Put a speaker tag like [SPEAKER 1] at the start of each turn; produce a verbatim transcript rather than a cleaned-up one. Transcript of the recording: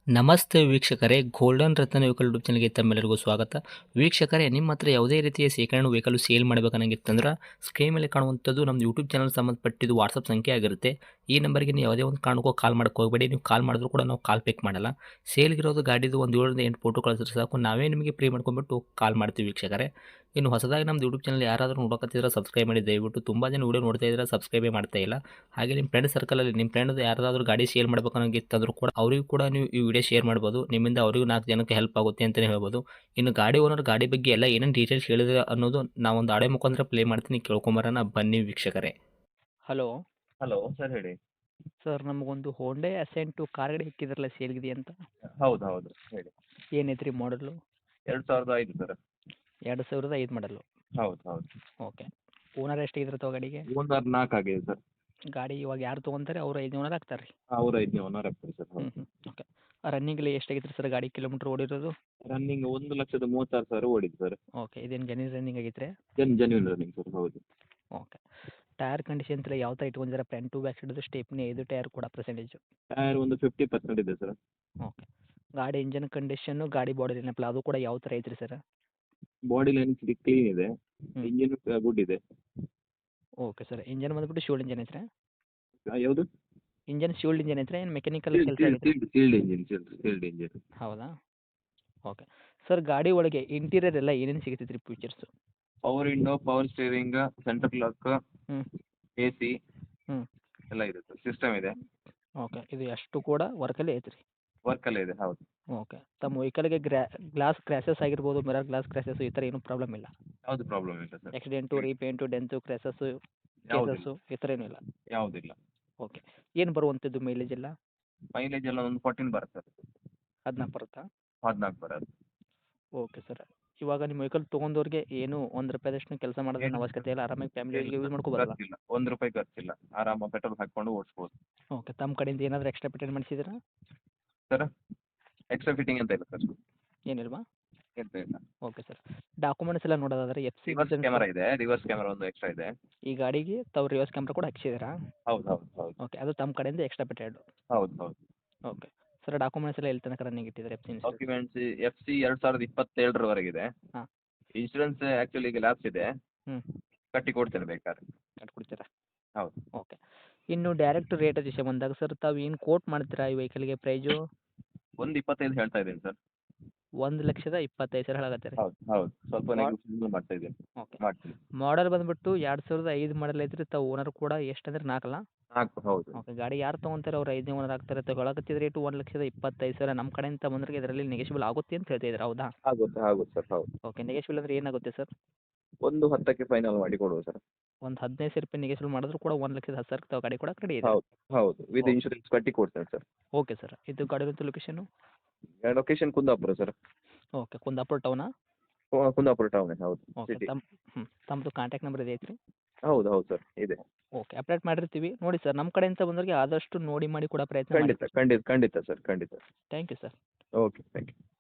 [SPEAKER 1] ನಮಸ್ತೆ ವೀಕ್ಷಕರೇ, ಗೋಲ್ಡನ್ ರತ್ನ vehicle YouTube ಚಾನಲ್ಗೆ ತಮ್ಮೆಲ್ಲರಿಗೂ ಸ್ವಾಗತ. ವೀಕ್ಷಕರೇ, ನಿಮ್ಮ ಹತ್ರ ಯಾವುದೇ ರೀತಿಯ ಶೇಖರಣೆ ವೆಹಿಕಲ್ ಸೇಲ್ ಮಾಡಬೇಕನ್ನಂಗಿತ್ತಂದ್ರೆ ಸ್ಕ್ರೀನ್ ಮೇಲೆ ಕಾಣುವಂಥದ್ದು ನಮ್ಮ ಯೂಟ್ಯೂಬ್ ಚಾನಲ್ ಸಂಬಂಧಪಟ್ಟಿದ್ದು ವಾಟ್ಸಪ್ ಸಂಖ್ಯೆ ಆಗಿರುತ್ತೆ. ಈ ನಂಬರ್ಗೆ ನೀವು ಯಾವುದೇ ಒಂದು ಕಾರಣಕ್ಕೂ ಕಾಲ್ ಮಾಡಕ್ಕೆ ಹೋಗಬೇಡಿ. ನೀವು ಕಾಲ್ ಮಾಡಿದ್ರು ಕೂಡ ನಾವು ಕಾಲ್ ಪಿಕ್ ಮಾಡಲ್ಲ. ಸೇಲ್ಗಿರೋದು ಗಾಡಿದು ಒಂದು ಏಳರಿಂದ ಎಂಟು ಫೋಟೋ ಕಳಿಸಿದ್ರೆ ಸಾಕು, ನಾವೇ ನಿಮಗೆ ಪ್ರೀ ಮಾಡ್ಕೊಂಡ್ಬಿಟ್ಟು ಕಾಲ್ ಮಾಡ್ತೀವಿ ವೀಕ್ಷಕರೇ. ಇನ್ನು ಹೊಸದಾಗಿ ನಮ್ಮದು ಯೂಟ್ಯೂಬ್ ಚಾನಲ್ ಯಾರಾದರೂ ನೋಡೋಕತ್ತಿದ್ರೆ ಸಬ್ಸ್ಕ್ರೈಬ್ ಮಾಡಿ ದಯವಿಟ್ಟು. ತುಂಬ ಜನ ವೀಡಿಯೋ ನೋಡ್ತಾ ಇದ್ದಾರೆ, ಸಬ್ಸ್ಕ್ರೈಬೇ ಮಾಡ್ತಾ ಇಲ್ಲ. ಹಾಗೆ ನಿಮ್ಮ ಫ್ರೆಂಡ್ ಸರ್ಕಲಲ್ಲಿ ನಿಮ್ಮ ಫ್ರೆಂಡ್ ಯಾರಾದರೂ ಗಾಡಿ ಸೇಲ್ ಮಾಡ್ಬೇಕನ್ನೋಂಗಿತ್ತಂದ್ರೂ ಕೂಡ ಅವರಿಗೂ ಕೂಡ ನೀವು ಈ ವಿಡಿಯೋ ಶೇರ್ ಮಾಡ್ಬೋದು. ನಿಮ್ಮಿಂದ ಅವರಿಗೂ ನಾಲ್ಕು ಜನಕ್ಕೆ ಹೆಲ್ಪ್ ಆಗುತ್ತೆ ಅಂತಲೇ ಹೇಳ್ಬೋದು. ಇನ್ನು ಗಾಡಿ ಓನರ್ ಗಾಡಿ ಬಗ್ಗೆ ಎಲ್ಲ ಏನೇನು ಡೀಟೇಲ್ಸ್ ಹೇಳಿದ್ರೆ ಅನ್ನೋದು ನಾವೊಂದು ಆಡೆ ಮುಖಾಂತರ ಪ್ಲೇ ಮಾಡ್ತೀನಿ, ಕೇಳ್ಕೊಂಬರೋಣ ಬನ್ನಿ ವೀಕ್ಷಕರೇ. ಹಲೋ
[SPEAKER 2] ಹಲೋ ಸರ್, ಹೇಳಿ.
[SPEAKER 1] ಸರ್, ನಮಗೊಂದು ಹೋಂಡೆ ಅಸೆಂಟು ಕಾರ್ ಗಾಡಿ ಇಕ್ಕಿದ್ರಲ್ಲ ಸೇಲ್ಗಿದೆ ಅಂತ.
[SPEAKER 2] ಹೌದು ಹೌದು ಹೇಳಿ.
[SPEAKER 1] ಏನೈತ್ರಿ ಮಾಡಲು?
[SPEAKER 2] ಎರಡು ಸಾವಿರದ ಐದು ಸರ್.
[SPEAKER 1] ಎರಡು ಸಾವಿರದ ಐದು ಮಾಡಲು.
[SPEAKER 2] ಹೌದು ಹೌದು.
[SPEAKER 1] ಓಕೆ. ಓನರ್ ಎಷ್ಟಾಗಿದ್ರೆ ತಗೋ ಗಾಡಿಗೆ?
[SPEAKER 2] ಓನರ್ ನಾಲ್ಕು ಆಗಿದೆ ಸರ್.
[SPEAKER 1] ಗಾಡಿ ಇವಾಗ ಯಾರು ತೊಗೊಂತಾರೆ ಅವ್ರು ಐದು ಓನರ್ ಆಗ್ತಾರೆ ರೀ?
[SPEAKER 2] ಅವ್ರು ಐದನೇ ಓನರ್ ಆಗ್ತಾರೆ ಸರ್.
[SPEAKER 1] ಹ್ಞೂ
[SPEAKER 2] ಹೌದು.
[SPEAKER 1] ಹ್ಞೂ ಓಕೆ. ರನ್ನಿಂಗಲ್ಲಿ ಎಷ್ಟಾಗಿತ್ತು ಸರ್ ಗಾಡಿ ಕಿಲೋಮೀಟ್ರ್ ಓಡಿರೋದು?
[SPEAKER 2] ರನ್ನಿಂಗ್ ಒಂದು ಲಕ್ಷದ ಮೂವತ್ತಾರು ಸಾವಿರ ಓಡಿದೆ ಸರ್.
[SPEAKER 1] ಓಕೆ. ಇದೇನು ಜೆನ್ಯೂನ್ ರನ್ನಿಂಗ್ ಆಗೈತೆ?
[SPEAKER 2] ಜನ್ ಜೆನ್ಯೂನ್ ರನ್ನಿಂಗ್ ಸರ್. ಹೌದು.
[SPEAKER 1] ಓಕೆ. ಟೈರ್ ಕಂಡೀಷನ್ ಎಲ್ಲ ಯಾವ ಥರ ಇಟ್ಕೊಂಡಿದ್ದಾರೆ? ಫ್ರಂಟ್ ಟು ಬ್ಯಾಕ್ ಸೈಡ್ದು ಸ್ಟೆಪ್ನಿ ಐದು ಟೈರ್ ಕೂಡ ಪರ್ಸೆಂಟೇಜು?
[SPEAKER 2] ಟೈರ್ ಒಂದು ಫಿಫ್ಟಿ ಪರ್ಸೆಂಟ್ ಇದೆ ಸರ್.
[SPEAKER 1] ಓಕೆ. ಗಾಡಿ ಇಂಜನ್ ಕಂಡೀಷನ್ನು, ಗಾಡಿ ಬಾಡಿ ಏನಪ್ಪಲ್ಲ ಅದು ಕೂಡ ಯಾವ ಥರ ಐತ್ರಿ ಸರ್?
[SPEAKER 2] ಬಾಡಿ ಲೈನ್ ಕ್ಲೀನ್ ಇದೆ.
[SPEAKER 1] ಹ್ಮ್.
[SPEAKER 2] ಇಂಜಿನ್ ಗುಡ್ ಇದೆ.
[SPEAKER 1] Okay sir. ಇಂಜನ್ ಬಂದ್ಬಿಟ್ಟು ಶೂಲ್ಡ್ ಇಂಜನ್ ಐತ್ರಿ?
[SPEAKER 2] ಆ, ಯಾವುದು?
[SPEAKER 1] ಇಂಜನ್ ಶೂಲ್ಡ್ ಇಂಜನ್ ಐತ್ರಿ ಏನು ಮೆಕ್ಯಾನಿಕಲ್ ಕೆಲಸ ಆಗೈತೆ?
[SPEAKER 2] Sealed engine sealed engine.
[SPEAKER 1] ಹೌದಾ? ಓಕೆ. ಸರ್, ಗಾಡಿ ಒಳಗೆ ಇಂಟೀರಿಯರ್ ಎಲ್ಲ ಏನೇನು ಸಿಗ್ತೈತೆ ರೀ features?
[SPEAKER 2] Power window, power steering, centre lock,
[SPEAKER 1] ಹ್ಞೂ
[SPEAKER 2] ಎ ಸಿ
[SPEAKER 1] ಹ್ಞೂ
[SPEAKER 2] ಎಲ್ಲ ಇದೆ ಸರ್. ಸಿಸ್ಟಮ್ ಇದೆ.
[SPEAKER 1] ಓಕೆ. ಇದು ಅಷ್ಟು ಕೂಡ ವರ್ಕಲ್ಲೇ ಐತ್ರಿ?
[SPEAKER 2] ವರ್ಕಲ್ಲೇ ಇದೆ. ಹೌದು.
[SPEAKER 1] ಓಕೆ. ತಮ್ಮ ವೆಹಿಕಲ್ಗೆ ಗ್ರಾ ಗ್ಲಾಸ್ ಕ್ರ್ಯಾಸಸ್ ಆಗಿರ್ಬೋದು, ಮಿರರ್ ಗ್ಲಾಸ್ ಕ್ರ್ಯಾಸಸ್ ಈ ಥರ ಏನೂ ಪ್ರಾಬ್ಲಮ್ ಇಲ್ಲ?
[SPEAKER 2] ಯಾವುದು ಪ್ರಾಬ್ಲಮ್ ಇಲ್ಲ sir.
[SPEAKER 1] Accident, repaint, dent, crashes,
[SPEAKER 2] ಯಾವುದಿಲ್ಲ
[SPEAKER 1] ಕೇಸಸ್ಸು ಈ ಥರ ಏನೂ ಇಲ್ಲ?
[SPEAKER 2] ಯಾವುದಿಲ್ಲ.
[SPEAKER 1] ಓಕೆ. ಏನು ಬರುವಂಥದ್ದು ಮೈಲೇಜ್ ಎಲ್ಲ?
[SPEAKER 2] ಮೈಲೇಜ್ ಎಲ್ಲ ಒಂದು ಫೋರ್ಟೀನ್ ಬರುತ್ತೆ ಸರ್.
[SPEAKER 1] ಹದಿನಾಲ್ಕು ಬರುತ್ತಾ?
[SPEAKER 2] ಹದಿನಾಲ್ಕು ಬರೋದು.
[SPEAKER 1] Okay sir. ಇವಾಗ ನಿಮ್ಮ ವೆಹಿಕಲ್ ತೊಗೊಂಡವ್ರಿಗೆ ಏನು ಒಂದು ರೂಪಾಯಿದಷ್ಟು ಕೆಲಸ ಮಾಡೋದೇನು ಅವಶ್ಯಕತೆ ಇಲ್ಲ, ಆರಾಮಾಗಿ ಫ್ಯಾಮಿಲಿ ಯೂಸ್ ಮಾಡ್ಕೋಬೋದಲ್ಲ?
[SPEAKER 2] ಖರ್ಚಿಲ್ಲ, ಒಂದು ರೂಪಾಯಿ ಖರ್ಚಿಲ್ಲ. ಆರಾಮ ಪೆಟ್ರೋಲ್ ಹಾಕ್ಕೊಂಡು ಓಡಿಸ್ಬೋದು.
[SPEAKER 1] ಓಕೆ. ತಮ್ಮ ಕಡೆಯಿಂದ ಏನಾದರೂ ಎಕ್ಸ್ಟ್ರಾ ಪೇಟೆಂಟ್ ಮಾಡಿಸಿದ್ರಾ?
[SPEAKER 2] ಸರ್, ಎಕ್ಸ್ಟ್ರಾ ಫಿಟ್ಟಿಂಗ್ ಅಂತ ಇಲ್ಲ ಸರ್.
[SPEAKER 1] ಏನಿಲ್ವಾ?
[SPEAKER 2] ಎಂತ ಇಲ್ಲ.
[SPEAKER 1] Okay sir. ಡಾಕ್ಯುಮೆಂಟ್ಸ್ ಎಲ್ಲ ನೋಡೋದಾದ್ರೆ ಎಫ್ ಸಿ
[SPEAKER 2] ರಿವರ್ಸ್ ಕ್ಯಾಮರಾ ಇದೆ. ರಿವರ್ಸ್ ಕ್ಯಾಮರಾ ಒಂದು ಎಕ್ಸ್ಟ್ರಾ ಇದೆ.
[SPEAKER 1] ಈ ಗಾಡಿಗೆ ತಾವು ರಿವರ್ಸ್ ಕ್ಯಾಮ್ರಾ ಕೂಡ ಹಾಕ್ಸಿದ್ದೀರಾ?
[SPEAKER 2] ಹೌದು ಹೌದು ಹೌದು.
[SPEAKER 1] ಓಕೆ. ಅದು ತಮ್ಮ ಕಡೆಯಿಂದ ಎಕ್ಸ್ಟ್ರಾ ಪೇಟೆಂಟು?
[SPEAKER 2] ಹೌದು ಹೌದು.
[SPEAKER 1] ಓಕೆ. ಸರ್, ಡಾಕ್ಯುಮೆಂಟ್ಸ್ ಎಲ್ಲ ಎಲ್ಲಿ ತನಕ ರನ್ನಿಂಗ್ ಇಟ್ಟಿದ್ದಾರೆ F C insurance?
[SPEAKER 2] Documents F C ಎರಡು ಸಾವಿರದ ಇಪ್ಪತ್ತೇಳರವರೆಗಿದೆ.
[SPEAKER 1] ಹಾಂ.
[SPEAKER 2] ಇನ್ಶೂರೆನ್ಸ್ ಆ್ಯಕ್ಚುಲಿ ಈಗ ಲ್ಯಾಪ್ಸ್ ಇದೆ.
[SPEAKER 1] ಹ್ಞೂ.
[SPEAKER 2] ಕಟ್ಟಿ ಕೊಡ್ತೇನೆ ಬೇಕಾದ್ರೆ.
[SPEAKER 1] ಕಟ್ಕೊಡ್ತೀರಾ?
[SPEAKER 2] ಹೌದು.
[SPEAKER 1] ಓಕೆ. ಇನ್ನು ಡೈರೆಕ್ಟ್ ರೇಟ್ ವಿಷಯ ಬಂದಾಗ ಸರ್, ತಾವು ಏನು ಕೋಟ್ ಮಾಡ್ತೀರಾ ಈ ವೆಹಿಕಲ್ಗೆ ಪ್ರೈಜು?
[SPEAKER 2] ಒಂದು ಇಪ್ಪತ್ತೈದು ಹೇಳ್ತಾ ಇದ್ದೀನಿ ಸರ್.
[SPEAKER 1] ಒಂದು ಲಕ್ಷದ ಇಪ್ಪತ್ತೈದು ಸಾವಿರ ಹೇಳಕತ್ತೀರಿ?
[SPEAKER 2] ಹೌದು ಹೌದು. ಸ್ವಲ್ಪ
[SPEAKER 1] ಮಾಡ್-
[SPEAKER 2] ನೆಗೋಷಿಯೇಟ್ ಮಾಡ್ತಾ ಇದ್ದೀನಿ.
[SPEAKER 1] ಓಕೆ.
[SPEAKER 2] ಮಾಡ್ತೀನಿ.
[SPEAKER 1] ಮಾಡಲ್ ಬಂದುಬಿಟ್ಟು ಎರಡು ಸಾವಿರದ ಐದು ಮಾಡಲ್ ಐತ್ರಿ. ತಾವು ಓನರ್ ಕೂಡ ಎಷ್ಟಂದ್ರೆ ನಾಲ್ಕಲ್ಲ?
[SPEAKER 2] ನಾಲ್ಕು. ಹೌದು.
[SPEAKER 1] ಓಕೆ. ಗಾಡಿ ಯಾರು ತೊಗೊಂತಾರೆ ಅವ್ರು ಐದನೇ ಓನರ್ ಆಗ್ತಾರೆ. ತಾವು ಹೇಳಕತ್ತಿದ ರೇಟು ಒಂದು ಲಕ್ಷದ ಇಪ್ಪತ್ತೈದು ಸಾವಿರ. ನಮ್ಮ ಕಡೆಯಿಂದ ಬಂದ್ರೆ ಇದರಲ್ಲಿ ನೆಗೆಷಿಬಲ್ ಆಗುತ್ತೆ ಅಂತ ಹೇಳ್ತಿದ್ದೀರಾ, ಹೌದಾ?
[SPEAKER 2] ಆಗುತ್ತೆ ಆಗುತ್ತೆ ಸರ್. ಹೌದು.
[SPEAKER 1] ಓಕೆ. ನೆಗೆಷಿಬಲ್ ಅಂದರೆ ಏನಾಗುತ್ತೆ ಸರ್?
[SPEAKER 2] ಒಂದು ಹತ್ತಕ್ಕೆ ಫೈನಲ್ ಮಾಡಿ ಕೊಡುವ ಸರ್.
[SPEAKER 1] ಒಂದು ಹದಿನೈದು ಸಾವಿರ ರೂಪಾಯಿ ನೆಗೆಷಿಬಲ್ ಮಾಡಿದ್ರು ಕೂಡ ಒಂದು ಲಕ್ಷದ ಹತ್ತು ಸಾವಿರಕ್ಕೆ ತಾವು ಗಾಡಿ ಕೂಡ ರೆಡಿ ಇದೆ?
[SPEAKER 2] ಹೌದು ಹೌದು. With
[SPEAKER 1] okay.
[SPEAKER 2] ಇನ್ಶೂರೆನ್ಸ್ ಕಟ್ಟಿ ಕೊಡ್ತೇನೆ ಸರ್.
[SPEAKER 1] Okay sir. ಇದು ಗಾಡಿ ಇರುವಂಥ location?
[SPEAKER 2] Location Kundapura sir.
[SPEAKER 1] Okay. Kundapura ಟೌನಾ?
[SPEAKER 2] ಕು- ಕುಂದಾಪುರ ಟೌನ್. ಹೌದು.
[SPEAKER 1] ಓಕೆ.
[SPEAKER 2] ಸಿಟಿ.
[SPEAKER 1] ತಮ್ಮ ಹ್ಞೂ ತಮ್ಮದು ಕಾಂಟ್ಯಾಕ್ಟ್ ನಂಬರ್ ಇದೆ ಐತ್ರಿ?
[SPEAKER 2] ಹೌದು ಹೌದು ಸರ್, ಇದೆ.
[SPEAKER 1] ಓಕೆ. ಅಪ್ಡೇಟ್ ಮಾಡಿರ್ತೀವಿ. ನೋಡಿ ಸರ್, ನಮ್ಮ ಕಡೆಯಿಂದ ಬಂದವರಿಗೆ ಆದಷ್ಟು ನೋಡಿ ಮಾಡಿ ಕೊಡೋ ಪ್ರಯತ್ನ ಮಾಡಿ.
[SPEAKER 2] ಖಂಡಿತ ಖಂಡಿತ ಖಂಡಿತ ಸರ್, ಖಂಡಿತ.
[SPEAKER 1] Thank you sir.
[SPEAKER 2] Okay, thank you.